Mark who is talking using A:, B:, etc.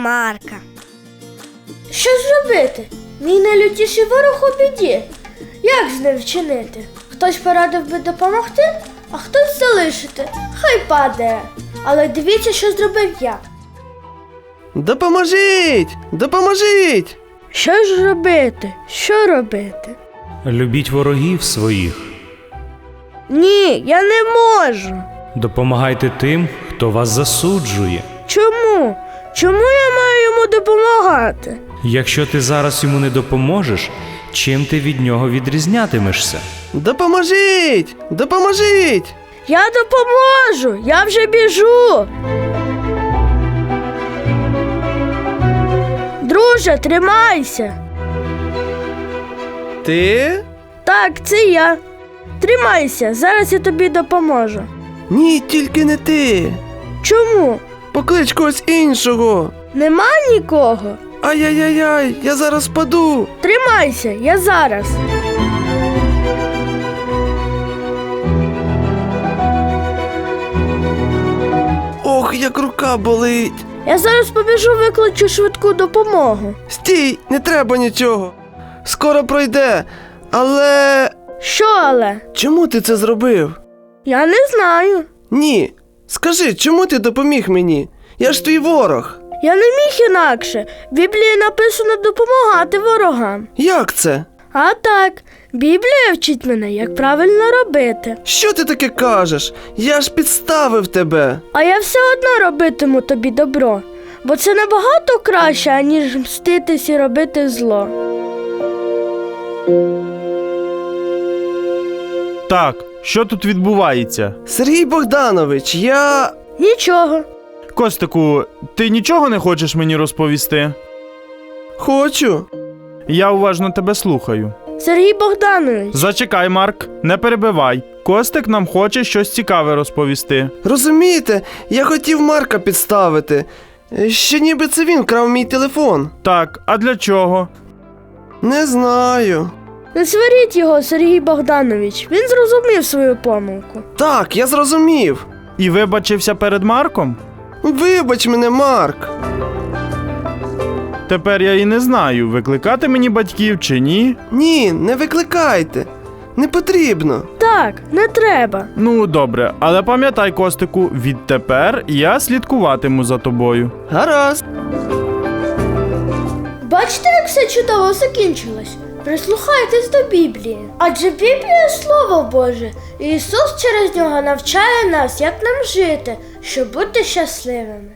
A: Марка.
B: Що ж робити? Мій найлютіший ворог у біді. Як з ним вчинити? Хтось порадив би допомогти, а хтось залишити. Хай падає. Але дивіться, що зробив я.
C: Допоможіть! Допоможіть!
B: Що ж робити? Що робити?
D: Любіть ворогів своїх.
B: Ні, я не можу.
D: Допомагайте тим, хто вас засуджує.
B: Чому? Чому я маю йому допомагати?
D: Якщо ти зараз йому не допоможеш, чим ти від нього відрізнятимешся?
C: Допоможіть! Допоможіть!
B: Я допоможу! Я вже біжу! Друже, тримайся!
C: Ти?
B: Так, це я. Тримайся, зараз я тобі допоможу.
C: Ні, тільки не ти.
B: Чому?
C: Поклич когось іншого.
B: Нема нікого?
C: Ай-яй-яй, я зараз паду.
B: Тримайся, я зараз.
C: Ох, як рука болить.
B: Я зараз побіжу, викличу швидку допомогу.
C: Стій, не треба нічого. Скоро пройде. Але
B: Що але?
C: чому ти це зробив?
B: Я не знаю.
C: Ні. Скажи, чому ти допоміг мені? Я ж твій ворог.
B: Я не міг інакше. В Біблії написано допомагати ворогам.
C: Як це?
B: А так, Біблія вчить мене, як правильно робити.
C: Що ти таке кажеш? Я ж підставив тебе.
B: А я все одно робитиму тобі добро, бо це набагато краще, аніж мститись і робити зло.
E: Так, що тут відбувається?
C: Сергій Богданович, я...
B: Нічого.
E: Костику, ти нічого не хочеш мені розповісти?
C: хочу.
E: Я уважно тебе слухаю.
B: Сергій Богданович,
E: Зачекай, Марк, не перебивай. Костик нам хоче щось цікаве розповісти.
C: Розумієте, я хотів Марка підставити. Що ніби це він крав мій телефон.
E: Так, а для чого?
C: Не знаю.
B: не сваріть його, Сергій Богданович. Він зрозумів свою помилку.
C: Так, я зрозумів.
E: І вибачився перед Марком?
C: Вибач мене, Марк.
E: Тепер я і не знаю, викликати мені батьків чи ні.
C: Ні, не викликайте. Не потрібно.
B: Так, не треба.
E: Ну, добре, але пам'ятай, Костику, відтепер я слідкуватиму за тобою.
C: Гаразд.
B: Бачите, як все чудово закінчилось? Прислухайтесь до Біблії. Адже Біблія – Слово Боже. І Ісус через нього навчає нас, як нам жити, щоб бути щасливими.